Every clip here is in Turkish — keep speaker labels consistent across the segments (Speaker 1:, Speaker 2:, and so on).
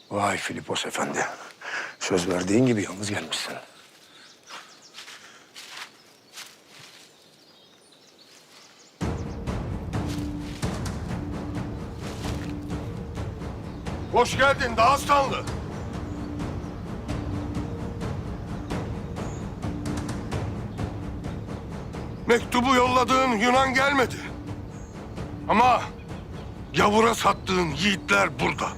Speaker 1: Vay Filipos Efendi. Söz verdiğin gibi yalnız gelmişsin.
Speaker 2: Hoş geldin Dağıstanlı. Mektubu yolladığın Yunan gelmedi. Ama gavura sattığın yiğitler burada.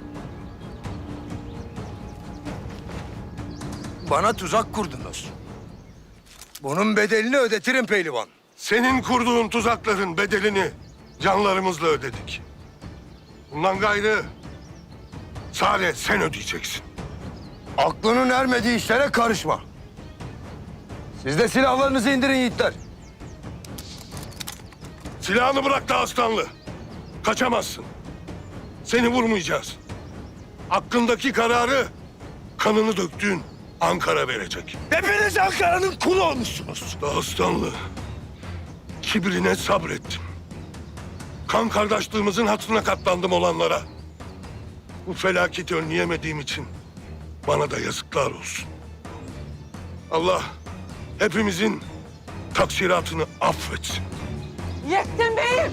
Speaker 1: Bana tuzak kurdunuz. Bunun bedelini ödetirim pehlivan.
Speaker 2: Senin kurduğun tuzakların bedelini canlarımızla ödedik. Bundan gayrı sadece sen ödeyeceksin.
Speaker 1: Aklının ermediği işlere karışma. Siz de silahlarınızı indirin yiğitler.
Speaker 2: Silahını bırak Dağıstanlı. Kaçamazsın. Seni vurmayacağız. Hakkındaki kararı kanını döktüğün Ankara verecek.
Speaker 1: Hepiniz Ankara'nın kulu olmuşsunuz.
Speaker 2: Dağıstanlı, kibrine sabrettim. Kan kardeşliğimizin hatırına katlandım olanlara. Bu felaketi önleyemediğim için bana da yazıklar olsun. Allah hepimizin taksiratını affetsin.
Speaker 3: Yettin beyim!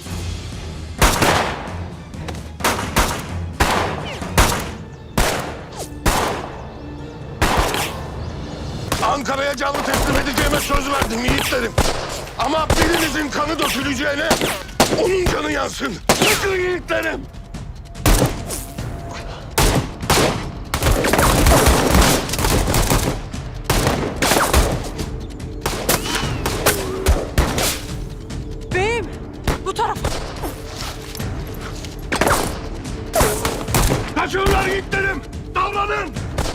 Speaker 2: Ankara'ya canlı teslim edeceğime söz verdim yiğitlerim. Ama birinizin kanı döküleceğine onun canı yansın. Çıkın yiğitlerim.
Speaker 3: Beyim! Bu tarafa!
Speaker 2: Kaçıyorlar yiğitlerim. Davranın.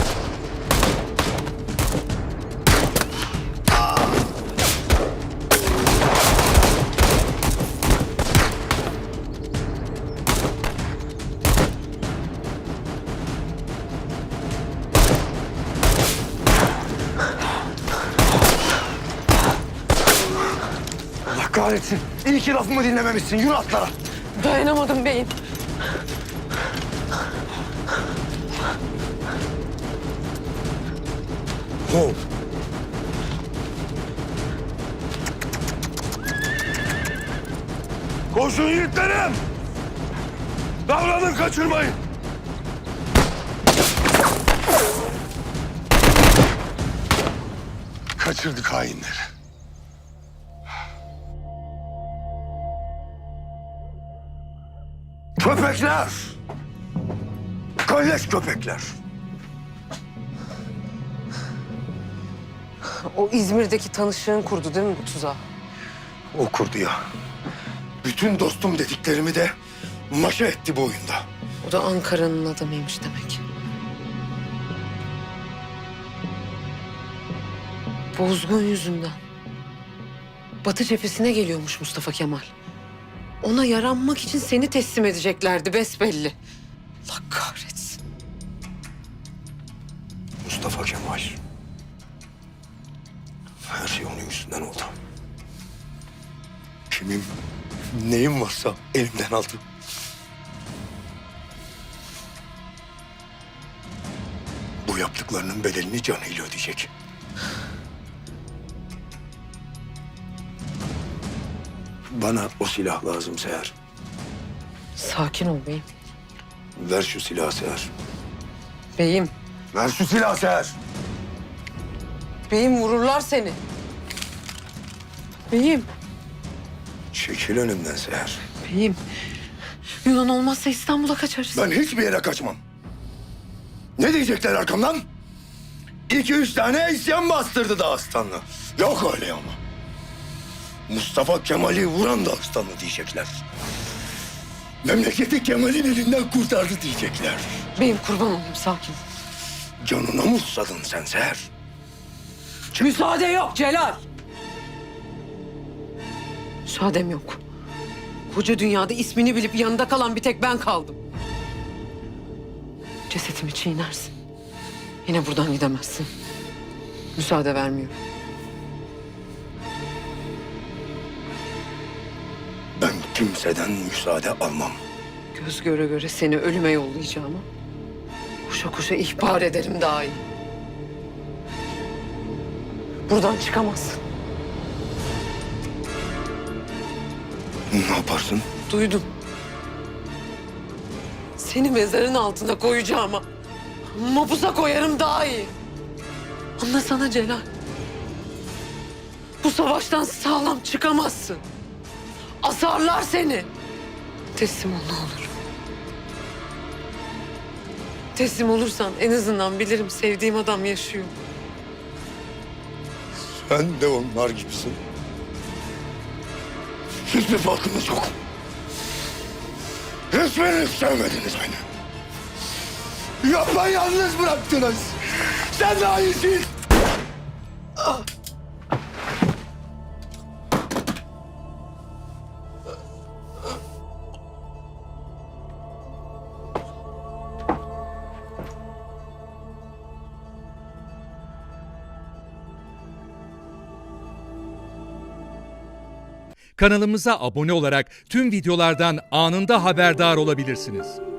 Speaker 1: Allah kahretsin. İyi ki lafımı dinlememişsin. Yürü atlara.
Speaker 3: Dayanamadım beyim.
Speaker 1: Hov.
Speaker 2: Koşun yiğitlerim. Davranın, kaçırmayın. Kaçırdık hainleri.
Speaker 1: Köpekler! Kalleş köpekler!
Speaker 3: O İzmir'deki tanışığın kurdu değil mi bu tuzağı?
Speaker 1: O kurdu ya. Bütün dostum dediklerimi de maşa etti bu oyunda.
Speaker 3: O da Ankara'nın adamıymış demek. Bozgun yüzünden. Batı cephesine geliyormuş Mustafa Kemal. Ona yaranmak için seni teslim edeceklerdi besbelli. Allah kahretsin.
Speaker 1: Mustafa Kemal. Her şey onun yüzünden oldu. Kimim, neyim varsa elimden aldı. Bu yaptıklarının bedelini canıyla ödeyecek. Bana o silah lazım Seher.
Speaker 3: Sakin ol beyim.
Speaker 1: Ver şu silahı Seher.
Speaker 3: Beyim,
Speaker 1: Ver şu silahı Seher.
Speaker 3: beyim vururlar seni. Beyim,
Speaker 1: Çekil önümden Seher.
Speaker 3: beyim. Yunan olmazsa İstanbul'a kaçarız.
Speaker 1: Ben hiçbir yere kaçmam. Ne diyecekler arkamdan? 2-3 tane isyan bastırdı Dağıstanlı. Yok öyle ama. Mustafa Kemal'i vuran Dağıstanlı diyecekler. Memleketi Kemal'in elinden kurtardı diyecekler.
Speaker 3: Beyim kurban olayım sakin.
Speaker 1: Canına mı susadın sen Seher?
Speaker 3: Müsaade yok Celal. Müsaadem yok. Koca dünyada ismini bilip yanında kalan bir tek ben kaldım. Cesetimi çiğnersin. Yine buradan gidemezsin. Müsaade vermiyorum.
Speaker 1: Ben kimseden müsaade almam.
Speaker 3: Göz göre göre seni ölüme yollayacağıma Koşa koşa ihbar ederim daha iyi. Buradan çıkamazsın.
Speaker 1: Ne yaparsın?
Speaker 3: Duydum. Seni mezarın altına koyacağıma mapusa koyarım daha iyi. Anlasana Celal. Bu savaştan sağlam çıkamazsın. Asarlar seni. Teslim ol ne olur. Teslim olursan en azından bilirim sevdiğim adam yaşıyor.
Speaker 1: Sen de onlar gibisin. Hiçbir farkınız yok. Hiçbiriniz sevmediniz beni. Yapayalnız bıraktınız. Sen daha iyisin.
Speaker 4: Kanalımıza abone olarak tüm videolardan anında haberdar olabilirsiniz.